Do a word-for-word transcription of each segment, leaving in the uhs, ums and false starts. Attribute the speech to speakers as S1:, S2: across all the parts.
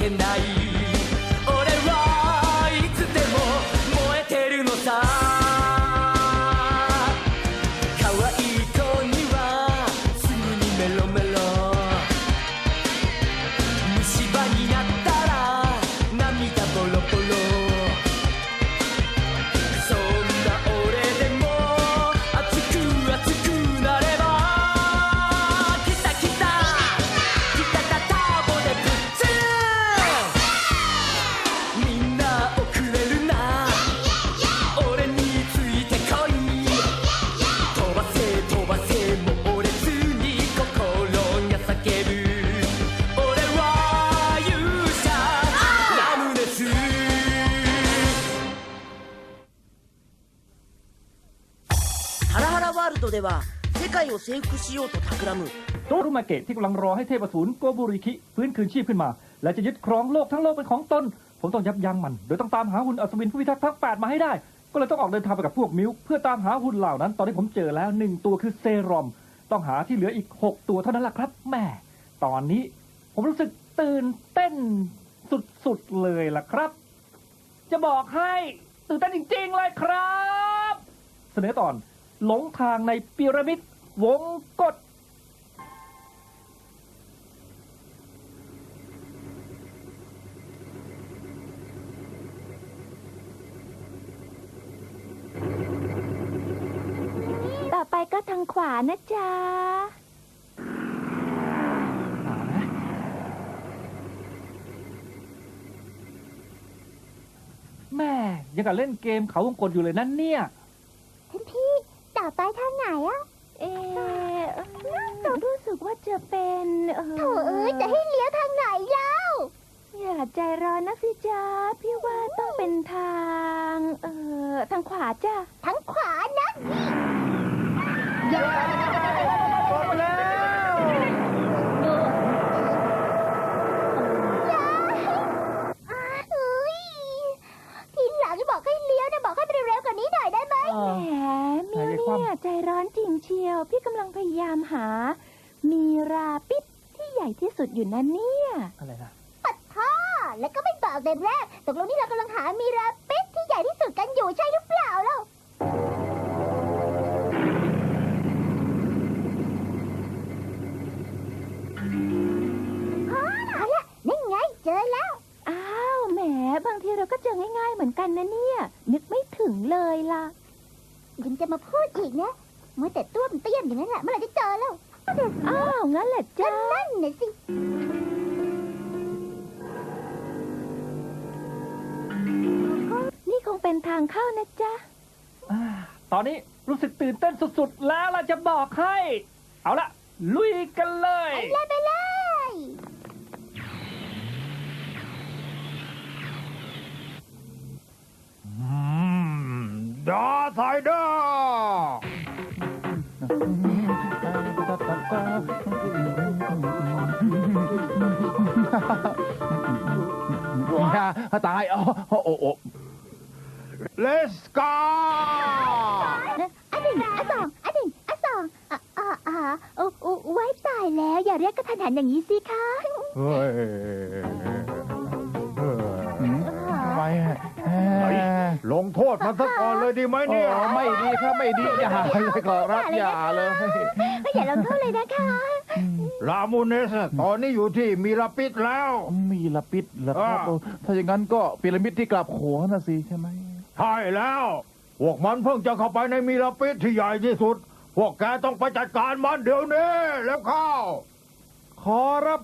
S1: けない俺はいつでも燃えてるのさ可愛い子にはすぐにメロメロ虫歯になったら涙ボロボロそんな俺でも熱く熱くなればきたきたきたたターボでぶっつみんな遅れるな俺についてこい飛ばせ飛ばせ猛烈に心が叫ぶ俺は勇者ラムネス
S2: ハラハラワールドでは世界を征服しようと企む
S3: โตรุมาเกะที่กำลังรอให้เทพอสูรโกบุริคิฟื้นคืนชีพขึ้นมาและจะยึดครองโลกทั้งโลกเป็นของตนผมต้องยับยั้งมันโดยต้องตามหาหุ่นอัศวินผู้พิทักษ์ทั้งแปดมาให้ได้ก็เลยต้องออกเดินทางไปกับพวกมิวเพื่อตามหาหุ่นเหล่านั้นตอนนี้ผมเจอแล้วหนึ่งตัวคือเซรอมต้องหาที่เหลืออีกหกตัวเท่านั้นแหละครับแม่ตอนนี้ผมรู้สึกตื่นเต้นสุดๆเลยล่ะครับจะบอกให้ตื่นเต้นจริงๆเลยครับเสนอตอนหลงทางในพีระมิดวงกต
S4: ต่อไปก็ทางขวานะจ๊ะ
S3: แม่ยังกับเล่นเกมเขาวงกตอยู่เลยนั่นเนี่ย
S4: ท่านพี่ต่อไปทางไหนอะเออเรารู้สึกว่าจะเป็นเออโถเอ้ยจะให้เลี้ยวทางไหนเล่าอย่าใจร้อนนะสิจ๊ะพี่ว่าต้องเป็นทางเออทางขวาจ้ะทางขวานะอย่าทีหลังบอกให้เลี้ยวนะบอกให้ไปเร็วกว่านี้หน่อยได้ไหมแหมมิวเนี่ยใจร้อนจริงเชียวพี่กำลังพยายามหามีราปิดที่ใหญ่ที่สุดอยู่นั่นเนี่ย
S3: อะไรนะ
S4: ปัดท่อแล้วก็ไม่บอกเด็กแรกตกลงนี่เรากำลังหามีราปิดที่ใหญ่ที่สุดกันอยู่ใช่หรือเปล่าเล่าเอาละนี่ไงเจอแล้วอ้าวแหมบางทีเราก็เจอง่ายๆเหมือนกันนะเนี่ยนึกไม่ถึงเลยล่ะยังจะมาพูดอีกนะเมื่อแต่ต้วมเตี้ยมอย่างนั้นแหละเมื่อไหร่จะเจอแล้วอ้าวงั้นแหละจ้านั่นน่ะสินี่คงเป็นทางเข้านะจ๊ะ
S3: ตอนนี้รู้สึกตื่นเต้นสุดๆแล้วล่ะจะบอกให้เอาละลุยกันเลย
S4: ไปเลยไปเลย
S5: ดาไซเดอร์ตายอ๋อโอ้โอ้เลสกา
S4: อันหนึ่งอันสองอันหนึ่งอันสองอ่าอ่าอ่าโอ้โอ้ไว้ตายแล้วอย่าเรียกกระทันหันอย่างนี้สิคะ
S5: เฮ้ยทำไมลงโทษมันสักก่อนเลยดีไหมเนี่ย
S6: ไม่ดีครับไม่ดีอย่าเลยขอรับอย่าเลย
S4: ก็อย่าลงโทษเลยนะคะ
S5: ลามูเนสตอนนี้อยู่ที่มีราปิดแล้ว
S6: มีราปิดเหรอครับถ้าอย่างนั้นก็พีระมิดที่กลับหัวน่ะสิใช่ไหม
S5: ใช่แล้วพวกมันเพิ่งจะเข้าไปในมีราปิดที่ใหญ่ที่สุดพวกแกต้องไปจัดการมันเดี๋ยวนี้แล้วเข้า
S6: ขอรับ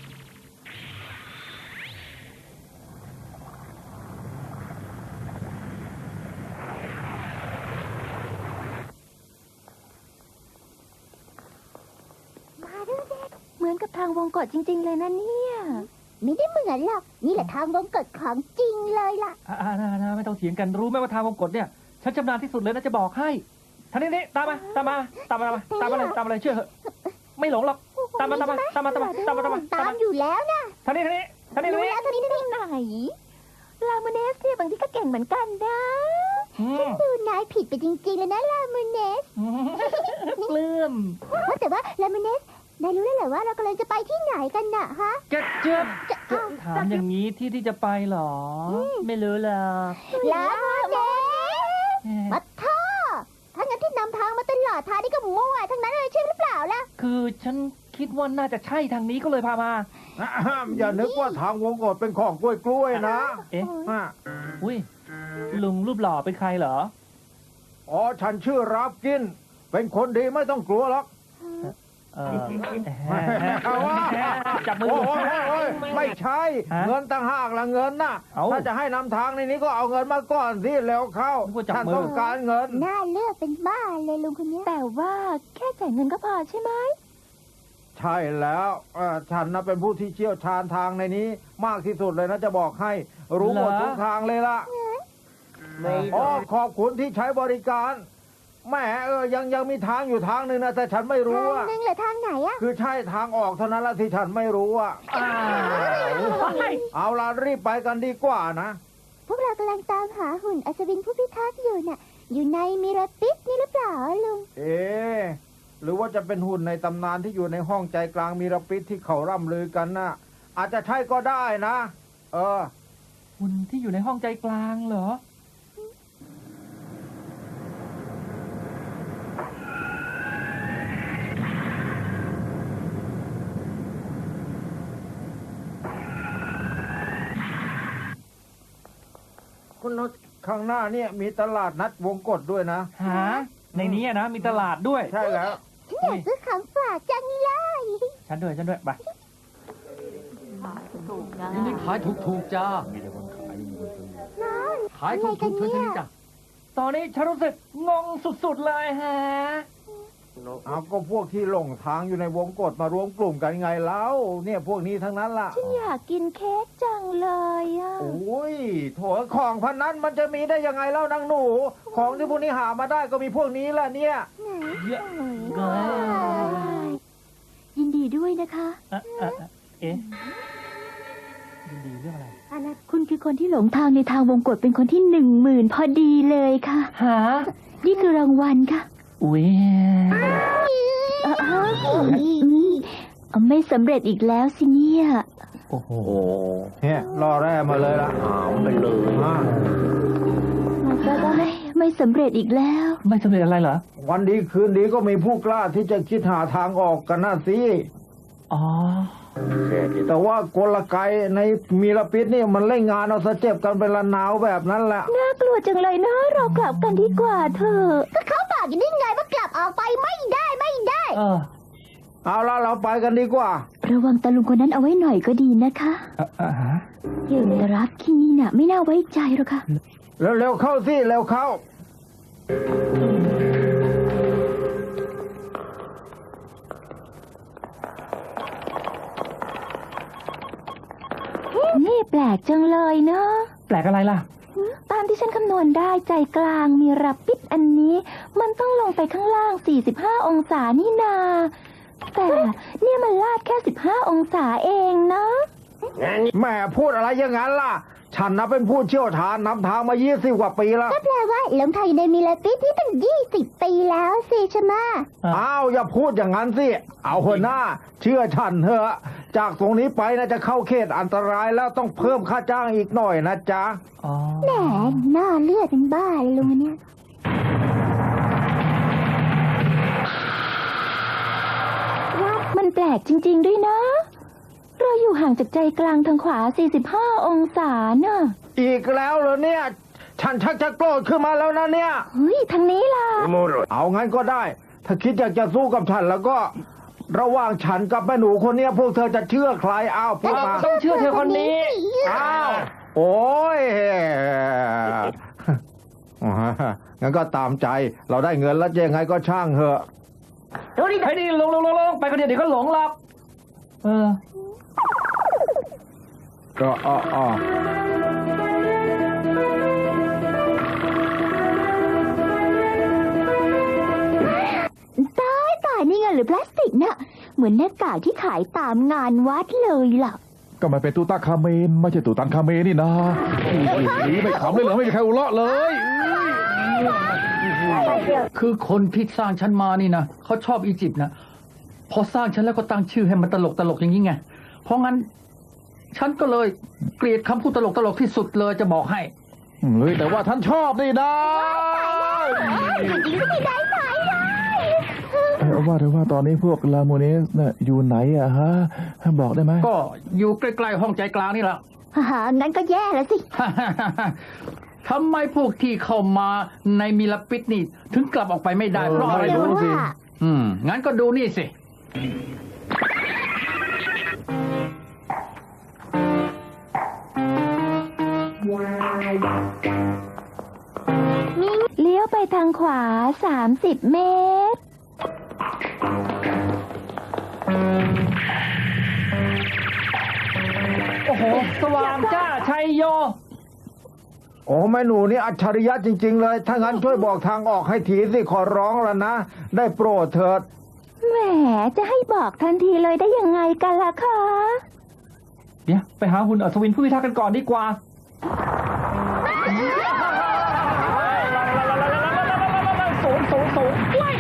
S4: เหมือนกับทางวงกตจริงๆเลยนะเนี่ยไม่ได้เหมือนหรอกนี่แหละทางวงกตของจริงเลยล่ะ
S3: อ่าๆๆไม่ต้องเถียงกันรู้ไหมว่าทางวงกตเนี่ยฉันชำนาญที่สุดเลยนะจะบอกให้ท่านนี่ตามมาตามมาตามมาตามมาเลยตามมาเลยเชื่อเถอะไม่หลงหรอกตามมาตามมาตามมาตามมาตามมาตามมา
S4: ตามอยู่แล้วนะ
S3: ท่านนี่ท่านนี่ท่านนี่
S4: รู้แล้วท่านนี่ที่ไหนลาโมเนสเนี่ยบางทีก็เก่งเหมือนกันนะฉันดูนายผิดไปจริงๆเลยนะลาโมเนส
S3: เลื่อม
S4: ว่าแต่ว่าลาโมเนสนายรู้แล้วเหรอว่าเรากำลังจะไปที่ไหนกันน่ะฮะ
S3: เจ็บเจ็บถามอย่างนี้ที่ที่จะไปเหรอ ไม่รู้หรอก
S4: แล้วเจ๊มาท่อถ้างั้นที่นำทางมาตลอดทางนี่ก็มั่วทั้งนั้นเลยใช่หรือเปล่าล่ะ
S3: คือฉันคิดว่าน่าจะใช่ทางนี้ก็เลยพามา
S5: อย่านึกว่าทางวงกฏเป็นของกล้วยๆนะ
S3: เอ๊ะ
S5: อ่ะ
S3: อุ้ยลุงรูปหล่อเป็นใครเหรอ
S5: อ๋อฉันชื่อรับกิน เป็นคนดีไม่ต้องกลัวหรอก
S3: เออ
S5: เอาวะ
S3: จับมือ
S5: โอ้ยโอ้ยโอ้ยไม่ใช่
S3: ฮะ
S5: เงินต่างหากละเงินน่ะ
S3: เอ้า
S5: ถ้าจะให้นำทางในนี้ก็เอาเงินมาก่อนสิแล้วเข้า
S3: นึกว่าจับ
S5: ฉัน
S3: มือ
S5: ต้องการเงิน
S4: น่าเลือกเป็นบ้าเลยลุงคนนี้แต่ว่าแค่จ่ายเงินก็พอใช่ไหม
S5: ใช่แล้วเอ่อฉันนะเป็นผู้ที่เชี่ยวชาญทางในนี้ มากที่สุดเลยนะจะบอกให้ รู้หมด
S3: เหรอ
S5: ทุกทางเลยล่ะอ๋อขอบคุณที่ใช้บริการแหมเออยังยังมีทางอยู่ทางหนึ่งนะแต่ฉันไม่รู้
S4: ทาง
S5: อะ
S4: หนึงหรือทางไหนอะ
S5: คือใช่ทางออกเท่านั้นละที่ฉันไม่รู้อะ
S3: อ้าว
S5: เอาล่ะรีบไปกันดีกว่านะ
S4: พวกเรากำลังตามหาหุ่นอัศวินผู้พิทักษ์อยู่น่ะ อยู่ในมิราปิสนี่หรือเปล่าลุง
S5: เอ๊ะหรือว่าจะเป็นหุ่นในตำนานที่อยู่ในห้องใจกลางมีรปิดที่เขาร่ำลือกันนะอาจจะใช่ก็ได้นะ เออ
S3: หุ่นที่อยู่ในห้องใจกลางเหรอ
S5: คุณนข้างหน้าเนี่ยมีตลาดนัดวงกฏด้วยนะ
S3: หา ในนี้อะนะ มีตลาดด้วย
S5: ใช่แล้ว
S4: ฉันอยากซื้อของฝากจังเลย
S3: ฉันด้วย ฉันด้วย ไป
S1: นี่นี่ขายถูกๆจ้า ขายถูกๆเท่านี้จ้ะ
S3: ตอนนี้ฉันรู้สึกงงสุดๆเลยฮะ
S5: เอาก็พวกที่หลงทางอยู่ในวงกฏมารวมกลุ่มกันไงแล้วเนี่ยพวกนี้ทั้งนั้นล่ะ
S4: ฉันอยากกินเค้กจังเลยอะ
S5: โอ้ยโถของพันนั้นมันจะมีได้ยังไงเล่านางหนู ของที่พวกนี้หามาได้ก็มีพวกนี้แหละเนี่ย
S3: เยอะ
S4: ยินดีด้วยนะคะ
S3: อ่ะอ่ะอ่ะเอ๊ะยินดีเรื่องอะไร
S4: คุณคือคนที่หลงทางในทางวงกฏเป็นคนที่หนึ่งหมื่นพอดีเลยค่ะ
S3: หา
S4: นี่คือรางวัลค่ะ
S3: อุ้ย
S4: เออเออเอาไม่สำเร็จอีกแล้วสิเนี่ย
S3: โอ้โห
S5: เนี่ยรอแร่มาเลยล่ะหามไปเลย
S4: ไม่ไม่สำเร็จอีกแล้ว
S3: ไม่สำเร็จอะไรเหรอ
S5: วันดีคืนดีก็มีผู้กล้าที่จะคิดหาทางออกกันน่ะสิ
S3: อ๋อ
S5: แต่ว่ากลไกในมีรปิดนี่มันเล่นงานเอาซะเจ็บกันเป็นละนาวแบบนั้นแหละ
S4: น่ากลัวจังเลยนะเรากลับกันดีกว่าเถอะก็เขาบอกอย่างนี้ไงว่ากลับออกไปไม่ได้ไม่ได้
S3: เออ
S5: เอาละเราไปกันดีกว่า
S4: ระวังตาลุงคนนั้นเอาไว้หน่อยก็ดีนะคะ
S3: อ่ะอ่ะฮะ
S4: อย่างรับที่นี่น่ะ ไม่น่าไว้ใจหรอกค่ะ
S5: เร็วๆเข้าสิเร็วเข้า
S4: นี่แปลกจังเลยเนาะ
S3: แปลกอะไรล่ะ
S4: ตามที่ฉันคำนวณได้ใจกลางมีรับปิดอันนี้ มันต้องลงไปข้างล่างสี่สิบห้าองศานี่นา แต่เนี่ยมันลาดแค่สิบห้าองศาเองนะ
S5: แม่พูดอะไรอย่างนั้นล่ะ ฉันนะเป็นผู้เชี่ยวชาญนำทางมายี่สิบกว่าปีแล้ว
S4: ก็แปลว่าหลงทางอยู่ในมิลาปิสนี่ตั้งยี่สิบปีแล้วสิใช่ไหม
S5: อ้าวอย่าพูดอย่างนั้นสิ เอาหัวหน้า เชื่อฉันเถอะ จากตรงนี้ไปนะจะเข้าเขตอันตรายแล้วต้องเพิ่มค่าจ้างอีกหน่อยนะจ๊ะ
S3: อ๋อ
S4: แหมหน้าเลือดเป็นบ้าเลยลุงเนี่ยมันแปลกจริงๆด้วยนะ เราอยู่ห่างจากใจกลางทางขวาสี่สิบห้าองศาน่ะ
S5: อีกแล้วเหรอเนี่ย ฉันชักจะโกรธขึ้นมาแล้วนะเนี่ย
S4: เฮ้ยทางนี้ล่ะ
S5: เอางั้นก็ได้ ถ้าคิดอยากจะสู้กับฉันแล้วก็ ระหว่างฉันกับแม่หนูคนเนี้ยพวกเธอจะเชื่อใครอ้าวพูดมา
S3: ต้องเชื่อเธอคนนี้
S5: อ้าว โอ้ย งั้นก็ตามใจ เราได้เงินแล้วจะยังไงก็ช่างเถอะ
S3: เฮ้ยนี่ลงลงลงลงไปคนเดียวเดี๋ยวก็หลงหรอกเออ
S5: ก็อ้ออ้อ
S4: ตายตายนี่ไงหรือพลาสติกน่ะ เหมือนหน้ากากที่ขายตามงานวัดเลยล่ะ
S6: ก็มันเป็นตูตาคาเมนไม่ใช่ตูตันคาเมนนี่นะนี่ไม่ขำเลยเหรอไม่มีใครหัวเราะเลย
S1: คือคนที่สร้างฉันมานี่นะเขาชอบอียิปต์นะพอสร้างฉันแล้วก็ตั้งชื่อให้มันตลกตลกอย่างนี้ไงเพราะงั้น
S7: ฉันก็เลยเกลียดคำพูดตลกๆที่สุดเลยจะบอกให้
S6: เฮ้ยแต่ว่าท่านชอบนี่นะ
S4: จริงๆไม่ได้ไหมเลย
S6: เออว่าแต่ว่าตอนนี้พวกลาโมเนสน่ะอยู่ไหนอะฮะบอกได้ไหม
S7: ก็อยู่ใกล้ๆห้องใจกลางนี่แหละ
S4: ฮ่างั้นก็แย่แล้วสิ
S7: ทำไมพวกที่เข้ามาในมิลปิดนี่ถึงกลับออกไปไม่ได้เพราะอะไร
S4: ไม่รู้
S7: รู้สิ
S4: ว่า
S7: อืมงั้นก็ดูนี่สิ
S4: เลี้ยวไปทางขวาสามสิบเมตร
S3: โอ้โห สว่างจ้าชัยโย
S5: โอ้แม่หนูนี่อัจฉริยะจริง ๆ เลย ถ้างั้นช่วยบอกทางออกให้ทีสิขอร้องแล้วนะ ได้โปรดเถิด
S4: แหมจะให้บอกทันทีเลยได้ยังไงกันล่ะคะ
S3: เดี๋ยวไปหาหุ่นอัศวินผู้พิทักษ์กันก่อนดีกว่า สูงสูงสูง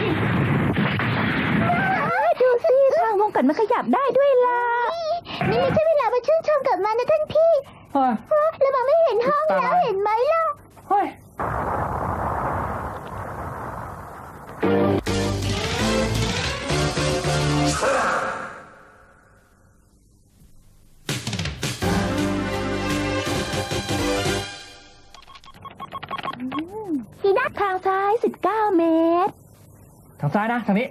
S4: ดูสิทางวงกตมันขยับได้ด้วยล่ะ นี่ไม่ใช่เวลามาชื่นชมกับมันนะท่านพี่
S3: เฮ้ย
S4: แล้วมันไม่เห็นห้องแล้วเห็นไหมล่ะ
S3: เฮ้ย
S4: ทีด้านทางซ้ายสิบเก้าเมตร
S3: ทางซ้ายนะ ทางนี้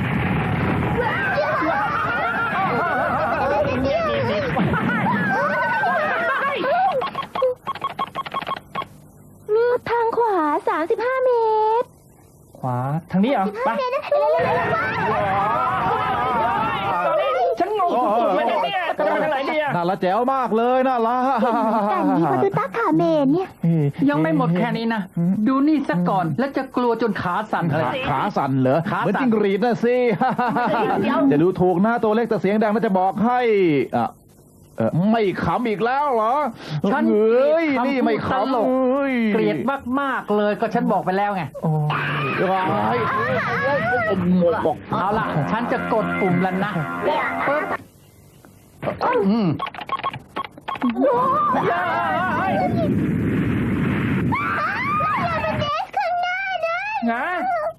S4: ทางขวาสามสิบห้าเมตร
S3: ขวา ทางนี้เหรอ ไป ฉันงงสุดๆเลยเนี่ยจะไปทางไหนดีอะ
S6: น่าละแจ๋วมากเลยน่าละ
S4: กันดีกว่าดูตาขาเมนเนี่ย
S7: ยังไม่หมดแค่นี้นะ ดูนี่ซะก่อนแล้วจะกลัวจนขาสั่นเลย
S6: ขาสั่นเหรอ
S7: ขาสั่น
S6: เหมือนจิ้งหรีดนะสิจะดูถูกหน้าตัวเล็กแต่เสียงดังน่าจะบอกให้อ่ะเออไม่ขำอีกแล้วเหรอ
S7: ฉัน
S6: เฮ้ยนี่ไม่
S7: ต
S6: ขำ
S7: ลก
S6: เฮ้ย
S7: เกลียดมากๆเลยก็ฉันบอกไปแล้วไง
S6: โอ้ยร้ายหมดบอก
S7: เอาล่ะ ฉันจะกดปุ่มแล้วนะปึ๊บอืม
S3: งา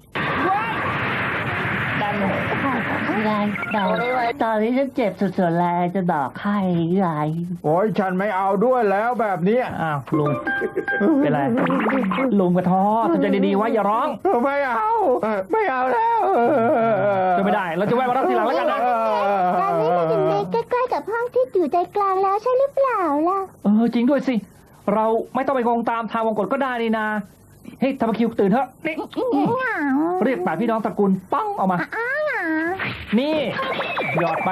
S3: ดัน
S2: ยายเดาตอนนี้ฉันเจ็บสุดๆแล้วจะบอกให้ยาย
S5: โอ้ยฉันไม่เอาด้วยแล้วแบบนี้
S3: อ้าวลุง เป็นไร ลุงกระท้อทำใจดีๆไว้อย่าร้อง
S5: ไม่เอา ไม่เอาแล้ว
S3: จะไม่ได้ เราจะแวะมารับทีหลังแล้วกันนะ
S4: ตอนนี้มันถึงในใกล้ๆกับห้องที่อยู่ใจกลางแล้วใช่หรือเปล่าล่ะ
S3: เออจริงด้วยสิ เราไม่ต้องไปงงตามทางวงกฏก็ได้นี่นาเฮ้ยธรรมคิวตื่นเถอะนี่เรียกแปดพี่น้องตระกูลป้องออกมา นี่หยอดไป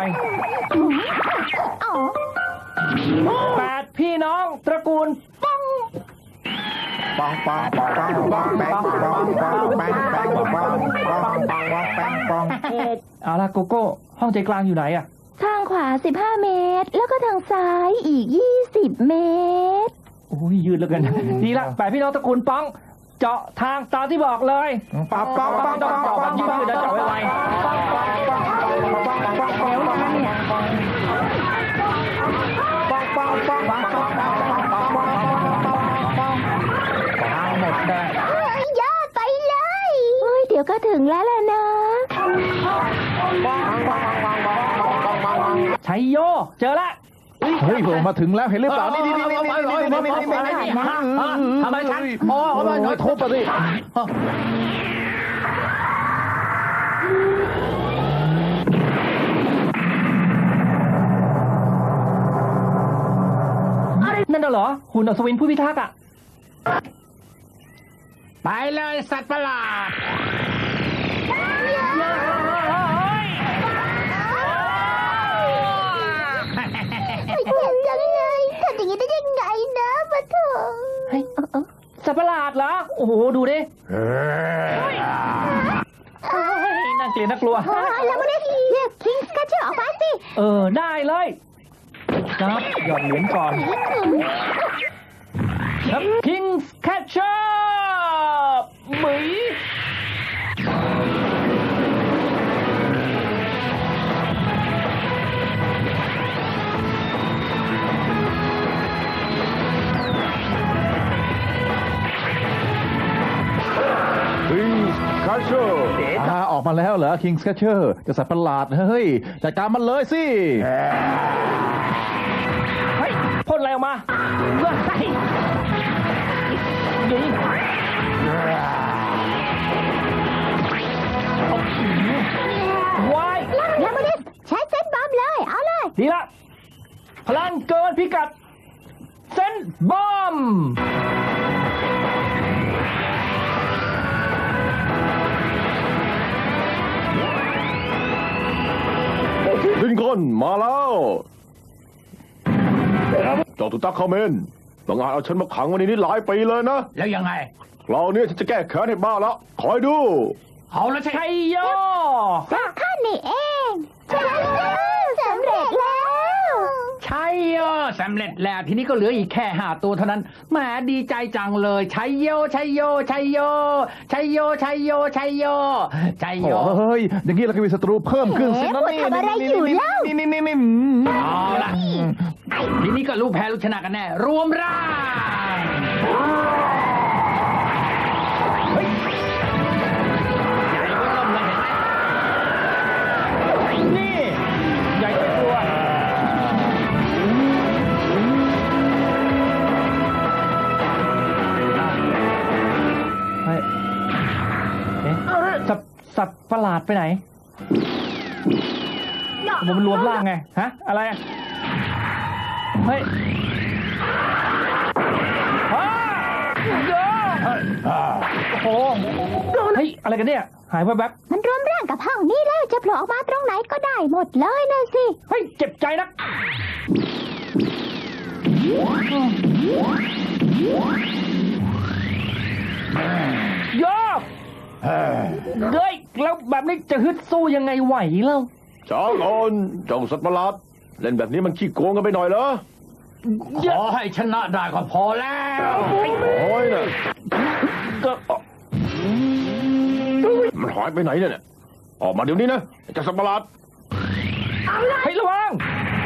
S3: แปดพี่น้องตระกูลป้อง
S5: ปังปังปังปังปังแปงปังปังแปงแปงปังปังปังปังแปงปัง
S3: เอาล่ะโกโก้ห้องใจกลางอยู่ไหนอะ
S4: ทางขวาสิบห้าเมตร แล้วก็ทางซ้ายอีกยี่สิบเมตร
S3: โอ้ยยืดเหลือเกินดีละแปดพี่น้องตระกูลป้อง เจาะทางตามที่บอกเลย
S5: ปังปังปัง
S3: ต้อ
S5: ปั
S3: ง
S5: ง
S3: เจาะ
S5: ปั
S3: แบ
S5: ง
S3: บยืดๆนะเจาะไวๆ
S7: หมดได้
S4: ยอดไปเลยเฮ้ยเดี๋ยวก็ถึงแล้วล่ะนะ
S3: ชัยโย เจอละ
S6: เฮ้ยผมมาถึงแล้วเห็นหรือเปล่านี่นี่นี่นี่นี่นี่นี่นี่นี่
S7: ทำไมฉันโอ้
S6: โอ้
S7: โห
S6: ยทุบไปสิ
S3: นั่นน่ะเหรอหุ่นอัศวินผู้พิทักษ์อ่ะ
S7: ไปเลยสัตว์ประหลาด
S4: ไม่เจ็บจังเลยทำอย่างนี้ได้ยังไงนะปะโถ
S3: เฮ้ยสัตว์ประหลาดเหรอ โอ้โห ดูดิน่าเกลียดน่ากลัว
S4: แล้วมันได้เรียกคิงส์กัชเชอร์ออกมาสิ
S3: เออ ได้เลยครับหย่อนเหรียญก่อนครับ King's Catcher หมี
S6: Catcher อ่าออกมาแล้วเหรอ King Catcher จะสัตว์ประหลาดเฮ้ยจัดการมันเลยสิ
S3: เฮ้ยพ่นอะไรออกมาเฮ้ยยิงวาย
S4: แล้วมาดิใช้เซนบอมเลย เอาเลย
S3: ดีละพลังเกินพิกัดเซนบอม
S8: ลินคอล์นมาแล้วเจ้าตุตักคาเมนบางอาจเอาฉันมาขังไว้ในนี้หลายปีเลยนะ
S7: แล้วยังไง
S8: คราวนี้ฉันจะแก้แค้นให้บ้าแล้วคอยดู
S7: เอาแล้วใช่
S3: ชัยโย
S4: ข้านี่เองชนะแล้วสำเร็จแล้ว
S7: ใช่โยสำเร็จแล้วทีนี้ก็เหลืออีกแค่ห้าตัวเท่านั้นแหมดีใจจังเลยชัยโยชัยโยชัยโยชัยโยชัยโยชัยโยชัยโย
S6: โอ้ยอย่างนี้เราก็มีศัตรูเพิ่มขึ้นสินะ
S4: เอ๊ะ
S6: นี่
S4: ทำอะไรอยู่เล่า
S6: นี่นี่นี่นี่
S7: เอาละทีนี้ก็รู้แพ้รู้ชนะกันแน่รวมร่างเฮ้ยใหญ่ก็เริ่มเลยเห็นไหม
S3: นี่ใหญ่ไปกลัวเฮ้ยเอ๊ะสัตว์สัตว์ประหลาดไปไหนมันรวมร่างไงฮะอะไรอะเฮ้ยอ้าเยอะโอ้โหเฮ้ยอะไรกันเนี่ยหายไปแป๊บ
S4: มันรวมร่างกับห้องนี้แล้วจะโผล่ออกมาตรงไหนก็ได้หมดเลยนะสิ
S3: เฮ้ยเจ็บใจนักโยกเฮ้ยแล้วแบบนี้จะฮึดสู้ยังไงไหวเล่า
S8: จ้าก่อนเจ้าสัตว์ประหลาดเล่นแบบนี้มันขี้โกงกันไปหน่อยเหรอ
S7: ขอให้ชนะได้ก็พอแล้ว
S8: โอ้ยน่ะ
S3: ก็
S8: มันหายไปไหนเนี่ยออกมาเดี๋ยวนี้นะเจ้าสัตว์ประหลาด
S3: เฮ้ยระวัง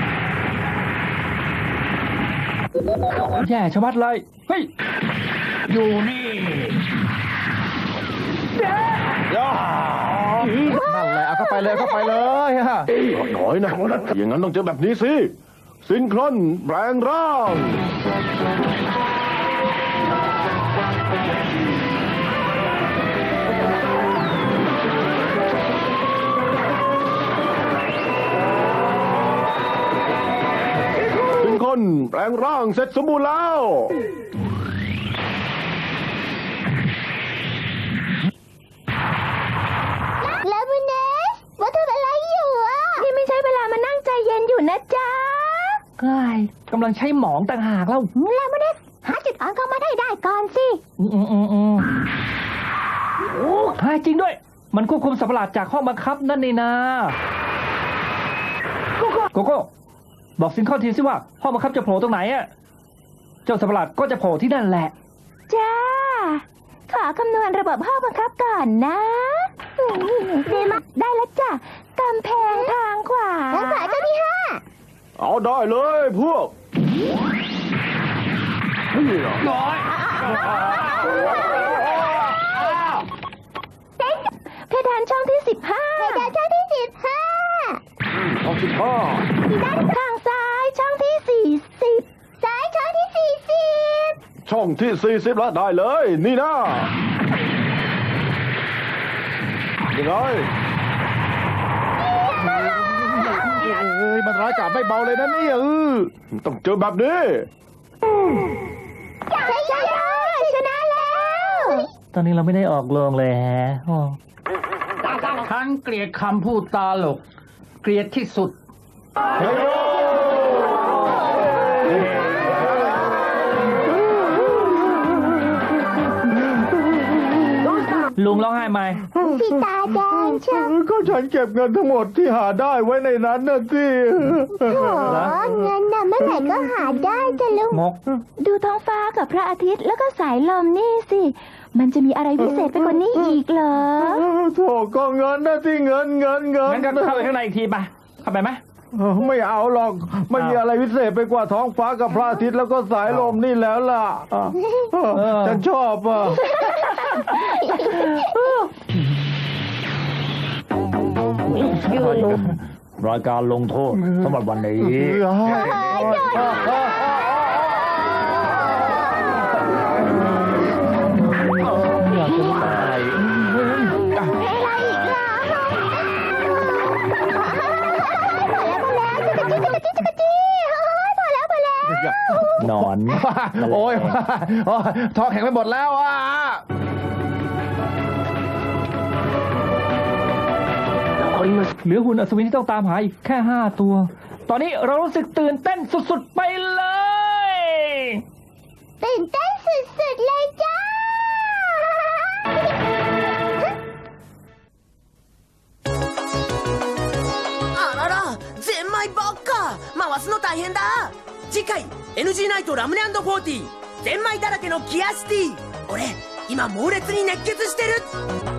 S3: แย่ชะมัดเลยเฮ้ย
S7: อยู่นี่
S6: นั่นแหละเอาเข้าไปเลยเข้าไปเลยฮะ
S8: หน่อยนะอย่างนั้นต้องเจอแบบนี้สิซินครอนแปลงร่างซินครอนแปลงร่างเสร็จสมบูรณ์แล้ว
S4: แล้วมูเนสว่าทำอะไรอยู่อ่ะนี่ไม่ใช่เวลามานั่งใจเย็นอยู่นะจ๊ะ
S3: กายกำลังใช้หมองต่างหากแล้ว
S4: แล้วมูเนสหาจุดอ่อนของมันให้ได้ก่อนสิ
S3: อืมอืมอืมอืมโอ้หายจริงด้วย มันควบคุมสัตว์ประหลาดจากห้องบังคับนั่นนี่นาโกโก้โกโก้บอกซินคอนทีสิว่าห้องบังคับจะโผล่ตรงไหนอะเจ้าสัตว์ประหลาดก็จะโผล่ที่นั่นแหละ
S4: จ้า ขอคำนวณระบบห้องบังคับก่อนนะดีมากได้แล้วจ้ะกำแพงทางขวาทางขวาเจ้าที่ห้า
S8: เอาได้เลยพวก
S7: น้อย
S4: เพดานช่องที่สิบห้าเพดานช่องที่สิบห้า
S8: เอาสิบห้า
S4: ด้านข้างซ้ายช่องที่สี่สิบซ้ายช่องที่สี่สิบ
S8: ช่องที่สี่สิบแล้วได้เลย นี่นะยังไง
S6: เอ้ยมันร้ายกาจไม่เบาเลยนะเนี่ยเออ
S8: ต้องเจอแบบนี้
S4: ใช่ใช่ชนะแล้ว
S3: ตอนนี้เราไม่ได้ออกโรงเลยแฮะอ๋อ
S7: ฉันเกลียดคำพูดตาหลก เกลียดที่สุด
S3: ลุงร้องไห้ไหม
S4: พี่ตาแดงเชียว
S5: ก็ฉันเก็บเงินทั้งหมดที่หาได้ไว้ในนั้นนะสิ
S4: โถเงินน่ะเมื่อไหร่ก็หาได้จ้ะลุง
S3: งก
S4: ดูท้องฟ้ากับพระอาทิตย์แล้วก็สายลมนี่สิ มันจะมีอะไรพิเศษไปกว่านี้อีกเหรอ
S5: โถก็เงินนะที่เงินเงินเงิน
S3: งั้นก็เข้าไปข้างในอีกทีไปเข้าไปไหม
S5: เออไม่เอาหรอกไม่มีอะไรพิเศษไปกว่าท้องฟ้ากับพระอาทิตย์แล้วก็สายลมนี่แล้วล่ะอ่ะเออฉันชอบอ่ะรายการลงโทษสำหรับวันนี้ อยากจะตาย
S4: อะไรอีกล่ะพอแล้วพอแล้วจิ๊กจิ๊กจิ๊กจิ๊กจิ๊กพอแล้วพอแล้ว
S5: นอน
S6: โอ้ยโอ้ยท้องแข็งไปหมดแล้วอ่ะ
S3: เหลือหุ่นอัศวินที่ต้องตามหาอีกแค่ห้าตัว ตอนนี้เรารู้สึกตื่นเต้นสุดๆไปเลย
S4: ตื่นเต้นสุดๆเลยจ้า
S1: あららゼンマイばっか回すの大変だ次回 エヌジー ナイトラムネ&フォーティーゼンマイだらけのギアシティ俺今猛烈に熱血してる